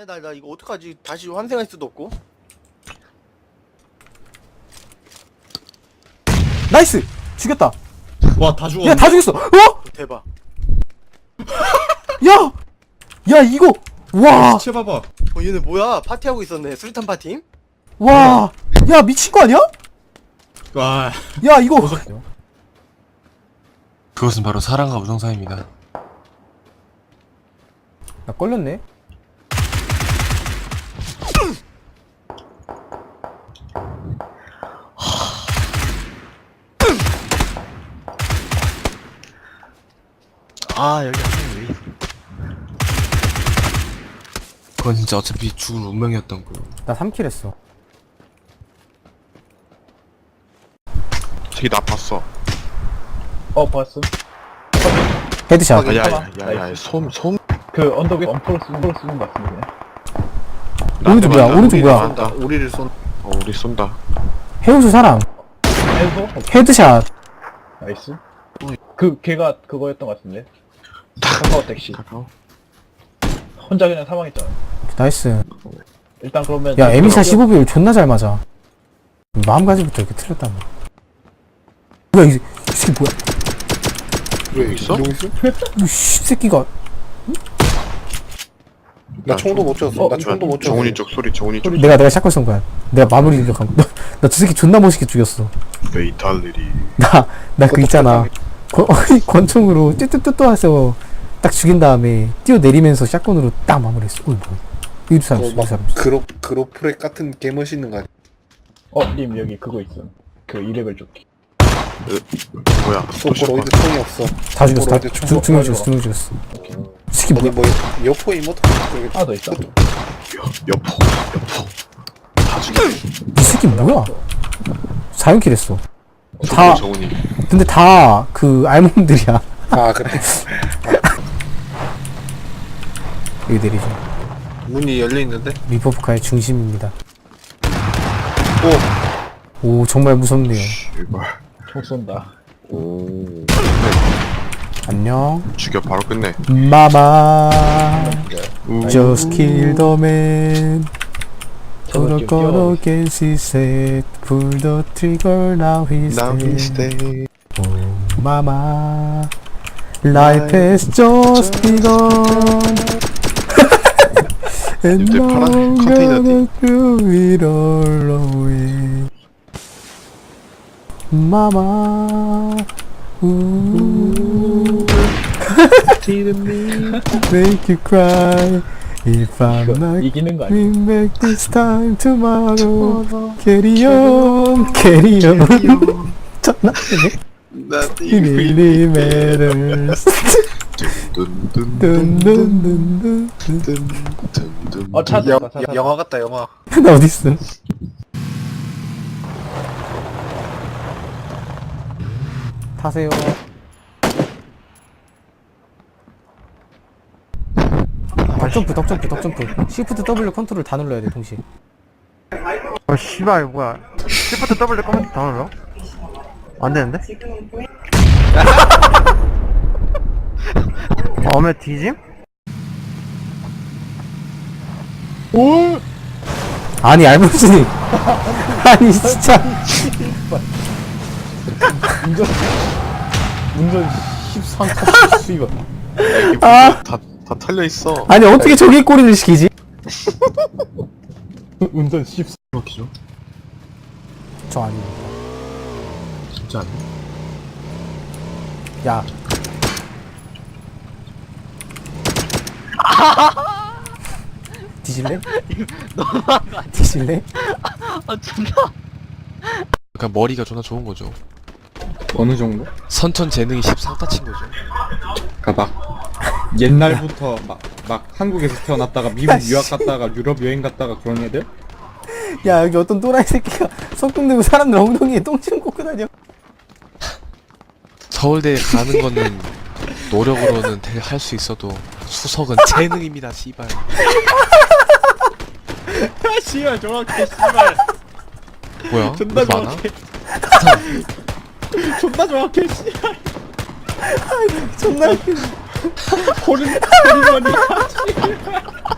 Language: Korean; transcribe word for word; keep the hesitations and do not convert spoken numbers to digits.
네, 나, 나 이거 어떡하지? 다시 환생할 수도 없고. 나이스! 죽였다. 와, 다 죽었네. 야, 다 죽였어. 어? 대박. 야! 야, 이거! 와! 시체 봐봐. 어, 얘네 뭐야? 파티하고 있었네. 수류탄 파티? 와! 야, 미친 거 아니야? 와, 야, 이거! 그것은 바로 사랑과 우정 사이입니다. 나 걸렸네? 아, 여기 한명 왜 있어? 그건 진짜 어차피 죽을 운명이었던 거요. 나 삼 킬 했어. 저기 나 봤어. 어 봤어. 헤드샷. 확인. 야야야야 솜 솜. 그 언덕 위에 엄포를 쓰는 걸 쓰는 것 같은데. 오른쪽 뭐야? 오른쪽 뭐야? 한다. 우리를 쏜. 어 우리 쏜다. 해우수 사람. 해서 헤드샷. 나이스. 그 걔가 그거였던 것 같은데. 카카오 택시. 카카오. 혼자 그냥 사망했잖아. 나이스. 일단 그러면 야, 에미사 십오 비율 존나 잘 맞아. 마음가짐부터 이렇게 틀렸단 말이야. 뭐야, 이, 이 새끼 뭐야? 왜 있어? 이 새끼가. 나 총도 못 쳤어. 나 총도 못 쳤어. 정훈이 쪽 소리. 정훈이 쪽. 내가, 내가 샷건 쏜 거야. 내가 마무리 공격한 거. 나 저 새끼 존나 멋있게 죽였어. 메이탈들이. 나, 나 그 있잖아. 권, 권총으로 뚜뚜뚜뚜 해서 딱 죽인 다음에 뛰어내리면서 샷건으로 딱 마무리했어. 어이, 뭐야. 이 사람 있어, 이 사람 있어. 그로 그로프렉 같은 개 멋있는 거 아니야? 어, 님 여기 그거 있어. 그 이 레벨 조끼. 뭐야? 소프로이드 총이 없어. 다 죽였어. 다 소프로이드 총. 두, 두 명 죽였어, 두 명 죽였어. 오케이. 이 새끼 어디 뭐야. 뭐 여포 이모트 하나 더 있어. 여포 여포. 다 죽여. 이 새끼 뭐야. 사 연킬 했어. 다, 정훈이. 근데 다 그 알몸들이야. 아 그래. 여기 내리죠. 문이 열려 있는데. 리퍼브카의 중심입니다. 오. 오, 정말 무섭네요. 제발. 총 쏜다. 오. 안녕. 죽여 바로 끝내. 마마. 우. Just kill the man. 저거 Gonna 좀 go 뛰어. against his head. Pull the trigger, now he's Now dead. he's dead. Oh, mama. Life has just begun. And 이때 now 파란 I'm 컨테이너 gonna do it all away. Mama. Ooh. Make you cry. If I'm not 이기는 거 아니야? we make this time tomorrow. Carry on, carry on. 존나 It really matters. 둔둔둔둔둔. 어 찾았다. 여, 찾았다. 영화 같다 영화. 나 어딨어? 타세요. 덕점프, 덕점프, 덕점프. 시프트 W 컨트롤 다 눌러야 돼 동시에. 어 씨발 뭐야 시프트 더블 꺼면 다 눌러? 안 되는데? 어메 뒤짐? 아니 알몬스님. 아니 진짜. 운전 운전 십삼 컷 수입. 아. 다다 털려 있어. 아니 어떻게 저기 꼬리를 시키지? 운전 십삼. 막히죠? 저 아닙니다. 진짜 아니야? 야. 뒤질래? 뒤질래? 그러니까 머리가 존나 좋은 거죠. 어느 정도? 선천 재능이 십삼 따친 거죠. 그니까 막 옛날부터 막, 막 한국에서 태어났다가 미국 유학 갔다가 유럽 여행 갔다가 그런 애들? 야 여기 어떤 또라이 새끼가 석궁 들고 사람들 엉덩이에 똥침 꽂고 다녀. 서울대에 가는 거는 노력으로는 할 수 있어도 수석은 재능입니다, 씨발. 씨발, 정확해, 씨발. 뭐야? 존나 왜 많아? 정확해. 존나 정확해, 씨발. 존나 웃기네. 호른, 호른머니.